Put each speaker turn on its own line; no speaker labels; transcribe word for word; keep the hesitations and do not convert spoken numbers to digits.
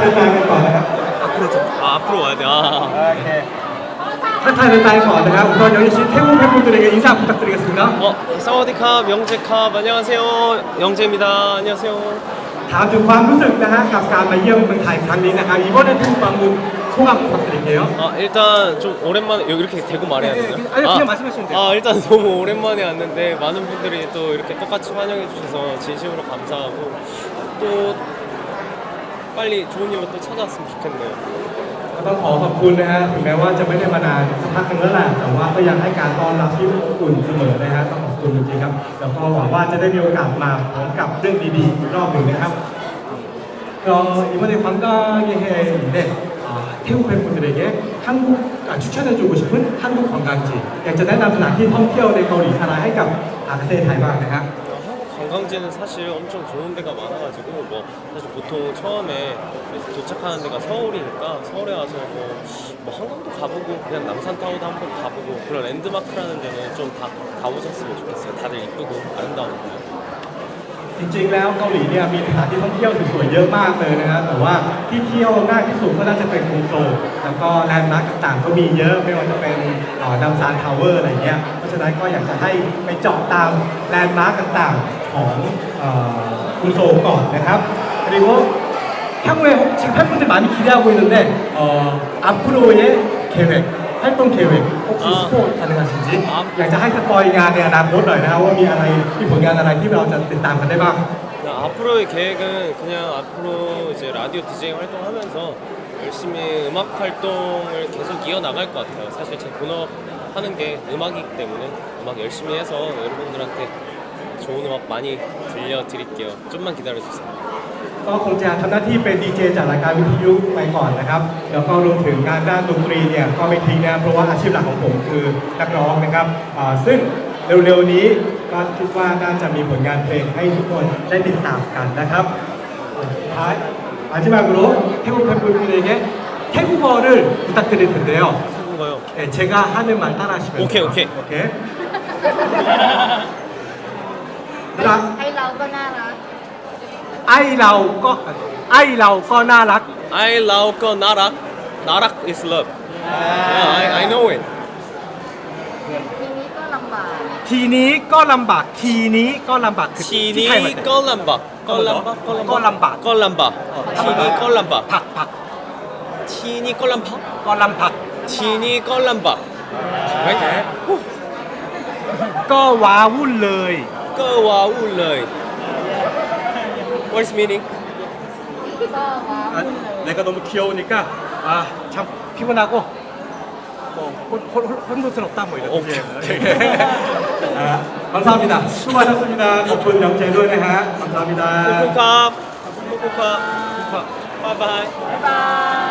แฟนๆกันก่อนนะครับ
앞으로 좀 아, 앞으로 와야 돼. 아.
โอเคทักทายแฟนๆก่อนนะครับ우선 여기 계신 태국 팬분들에게 인사 부탁드리겠습니다.
어, 사와디캅, 영재캅, 안녕하세요. 영재입니다. 안녕하세요.
ถามถึงความรู้สึกนะฮะกับการมาเยี่ยมเมืองไทยครั้งนี้นะครับ이번에 태국 방문 소감 부탁드릴게요.
아, 일단 좀 오랜만에 여기 이렇게 대고 말해야 되나?
네, 아니, 그냥 말씀하시면 돼요.
아, 일단 너무 오랜만에 왔는데 많은 분들이 또 이렇게 똑같이 환영해 주셔서 진심으로 감사하고 또 빨리 좋은 일로 또 찾아왔으면 좋겠네요.
ก็ต้องขอขอบคุณนะฮะถึงแม้ว่าจะไม่ได้มานานสักพักนึงแล้วแหละแต่ว่าก็ยังให้การต้อนรับที่อบอุ่นเสมอนะฮะต้องขอบคุณจริงๆครับแล้วก็หวังว่าจะได้มีโอกาสมาพร้อมกับเรื่องดีๆอีกรอบหนึ่งนะครับก็이번에 관광여행인데 태국 팬분들에게 한국 아, 추천해주고 싶은 한국 관광지 อยากจะแนะนำสถานที่ท่องเที่ยวในเกาหลีใต้ให้กับอาเซียนไทยบ้างนะครับ
관광지는 사실 엄청 좋은 데가 많아가지고 뭐 사실 보통 처음에 도착하는 데가 서울이니까 서울에 와서 뭐, 뭐 한강도 가보고 그냥 남산타워도 한번 가보고 그런 랜드마크라는 데는 좀 다 가보셨으면 좋겠어요. 다들 이쁘고 아름다우니까.
จริงๆแล้วเกาหลีเนี่ยมีสถานที่ท่องเที่ยวสวยๆเยอะมากเลยนะฮะแต่ว่าที่เที่ยวง่ายที่สุดก็น่าจะเป็นกรุงโซลแล้วก็แลนด์มาร์คต่างๆก็มีเยอะไม่ว่าจะเป็นดัมซานทาวเวอร์อะไรเงี้ยเพราะฉะนั้นก็อยากจะให้ไปเจาะตามแลนด์มาร์คต่างๆของกรุงโซลก่อนนะครับ그리고 향후에 지금 팬분들 많이 기대하고 있는데 어, 앞으로의 계획 활동 계획 혹시
아.
스포 가능하신지
아.
อยากจะให้สปอยงานในอนาคตหน่อยนะครับว่ามีอะไรมีผลงานอะไรที่เราจะติดตามกันได้บ้าง
앞으로의 계획은 그냥 앞으로 이제 라디오 디제이 활동하면서 열심히 음악 활동을 계속 이어나갈 것 같아요. 사실 제 본업하는 게 음악이기 때문에 음악 열심히 해서 여러분들한테 좋은 음악 많이 들려드릴게요. 좀만 기다려주세요.
ก็คงจะทำหน้าที่เป็นดีเจจากรายการวิทยุไปก่อนนะครับแล้วก็รวมถึงงานด้านดนตรีเนี่ยก็ไม่ทิ้งนะเพราะว่าอาชีพหลักของผมคือนักร้องนะครับซึ่งเร็วๆนี้ก็คิดว่าน่าจะมีผลงานเพลงให้ทุกคนได้ติดตามกันนะครับท้าย마지막으로 태국 팬분들에게 태국어를 부탁드릴 텐데요.
태국어요?
네, 제가 하는 말 따라하시면 돼요.
오케이, 오케이.
오케이.
ให้เราก็น่ารัก
ไอเราก็ไอเราก็น่ารัก
I love 거 나락 나락 is love. Yeah, I, I know it.
ทีนี้ก็ลำบาก
ทีนี้ก็ลำบากทีนี้ก็ลำบากคือที่ไทยมัน
티니 껄람바 껄람바
껄람바.
껄람바 티니 껄람바
ผักผัก
티니 껄람파
ก็ลำผัก
티니 껄람바
ก็ว้าวุ่นเลย
끄와 울러이 What's meaning?
ก็ว้าว
아, 내가 너무 귀여우니까 아, 참 피곤하고 뭐 혼, 혼, 혼돈스럽다 뭐 이런
오케이,
뜻이에요. 아, 감사합니다. 수고하셨습니다. 덕분 영재도네 감사합니다.
코코캅 코코캅 바이바이
บ๊ายบาย